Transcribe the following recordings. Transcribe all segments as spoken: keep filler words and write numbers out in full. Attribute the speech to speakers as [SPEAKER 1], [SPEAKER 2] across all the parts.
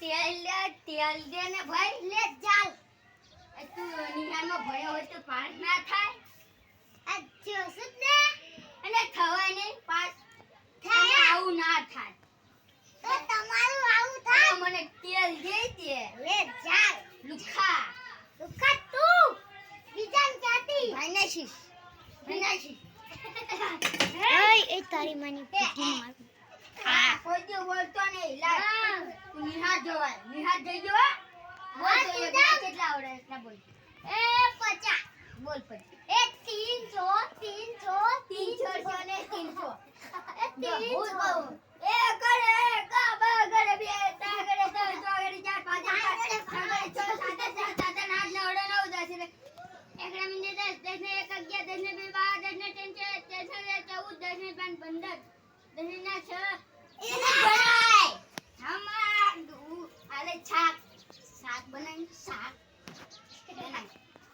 [SPEAKER 1] તેલ લે તેલ દે ને ભાઈ લે ચાલ તું નિહાળમાં ભણ્યો હોય તો પાસ ના થાય આ જોશું ને અને થવાય નહીં પાસ થાય આવું ના થાય તો તમારું આવું થાય મને તેલ દે દે લે ચાલ લુખા લુખા તું બીજાન ક્યાંથી ભાઈનાશી ભાઈનાશી ઓય એ તારી માની પીટી માર હા કોઈ દે બોલતો નહીં લા નિહાળ જોવાય નિહાળ જઈ જો બોલ તો કેટલા આવડે એટલા બોલ એ પચાસ બોલ પછી એ ત્રણસો ત્રણસો ત્રણસો ને ત્રણસો એ ત્રણસો એ કરે કા બા કરે બે તા કરે તો ચોગડી ચાર પાંચ ચાર છ સાત આઠ સાત આઠ નવ નવ દસ એકડા મિનિટ દસ દસ ને એક અગિયાર દસ ને બે બાર દસ ને ત્રણ તેર દસ ને ચૌદ દસ ને પાંચ પંદર દસ ને છ એને ભણાય હમા આલે શાક શાક બનાવી શાક બનાવી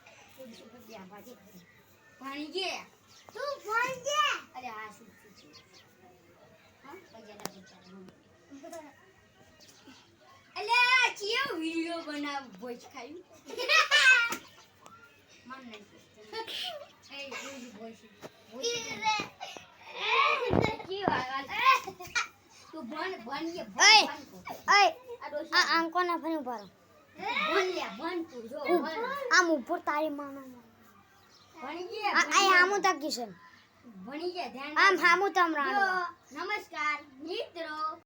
[SPEAKER 1] ભણી ગયા તું ભણ ગયા અરે આ શું છે હા પૈસા પૈસા અલે આ કેવો વિડિયો બનાવ ભોજ ખાયું મન નહીં એ ભોજ ભોજ ભોજ કી વાત તું ભણ ભણ એ ભણ ઓય આ આંકો ના ભણ ઉભા ભણ લે ભણ તું જો આમ ઉપર તારી માનો ભણી ગયા આ આમુ તક કિશન ભણી ગયા ધ્યાન આમ હામુ તમ રાણો નમસ્કાર મિત્રો